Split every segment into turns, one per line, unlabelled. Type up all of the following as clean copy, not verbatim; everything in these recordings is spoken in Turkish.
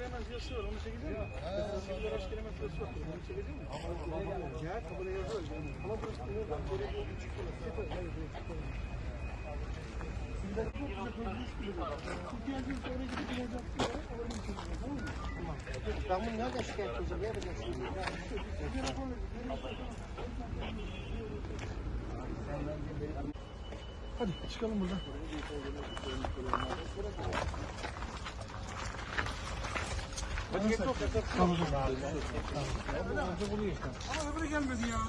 giremez yazısı var. Onu çekecek mi? Sivil araç giremez yazısı var. Onu çekecek mi? Ya kabul yazıyor. Ama burası değil. Ben böyle bir küçük ben bunu nereden şikayet edeceğim? Ne yapacaksın? Hadi çıkalım buradan. Hadi gel çok yakın. Tamam. Ama öbürü gelmedi ya.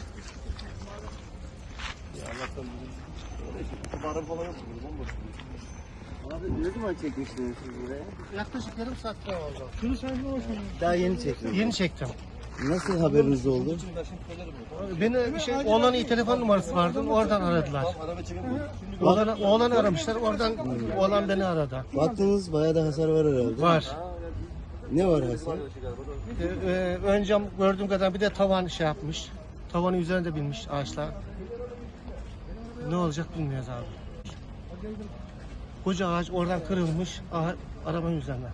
Ya Allah'tan bu barın falan yok mu? Bomboş.
Abi ne zaman çekmiştiniz siz buraya?
Yaklaşık yarım saat daha oldu. Şunu sen ne olsun?
Daha yeni çektiniz.
Yeni çektim.
Nasıl haberiniz oldu?
Beni oğlanın iyi telefon numarası vardı. Oradan aradılar. Oğlan aramışlar. Oradan oğlan beni aradı.
Baktınız bayağı da hasar var herhalde.
Var.
Ne var hasar?
Ön cam gördüğüm kadar bir de tavan şey yapmış. Tavanın üzerinde binmiş ağaçlar. Ne olacak bilmiyoruz abi. Koca ağaç oradan kırılmış arabanın üzerine.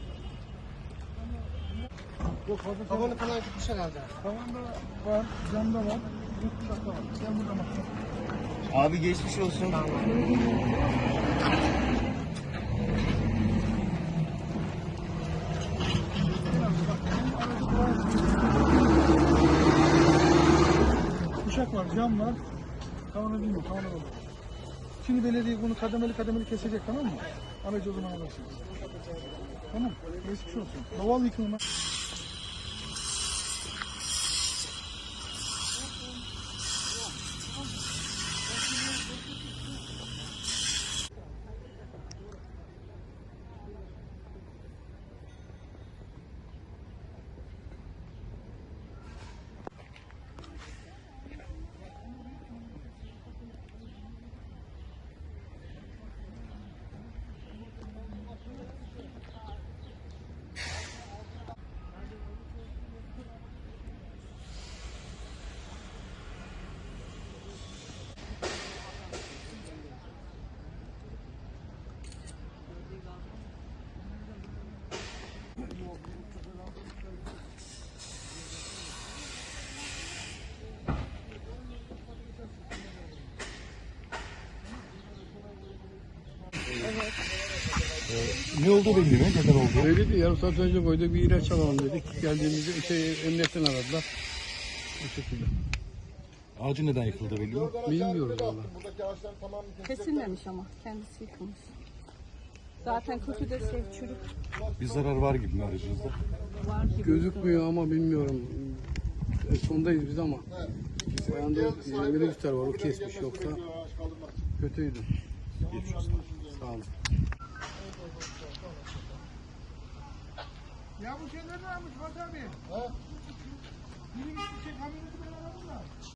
Tavanı falan gitmiş herhalde.
Tavanda var, camda var, yurtdışarıda var. Sen burada bak.
Abi geçmiş olsun.
Kuşak var, cam var. Tavana bilmiyor, tavana var. Şimdi belediye bunu kademeli kesecek, tamam mı? Aracı o zaman alırsınız. Tamam, geçmiş olsun. Doğal yıkılma.
Ne oldu bilmiyorum. Neden oldu?
Öyleydi, yarım saat önce koyduk, bir ilaç alalım dedik. Geldiğimizde emniyetten aradılar. Bu şekilde.
Ağacı neden yıkıldı belli mi?
Bilmiyoruz valla.
Kesilmemiş ama kendisi yıkılmış. Zaten kötü de çürük
Bir zarar var gibi mi aracınızda?
var gibi.
Gözükmüyor ama bilmiyorum. Sondayız biz ama. Ayağında minibüsler var, o kesmiş, yoksa kötüydü.
Geçmiş olsun.
Sağ olun.
Ya bu şeyler ne yapmış Fatih abi? Ha? Biri gitmiş kamyoneti ben aradım da.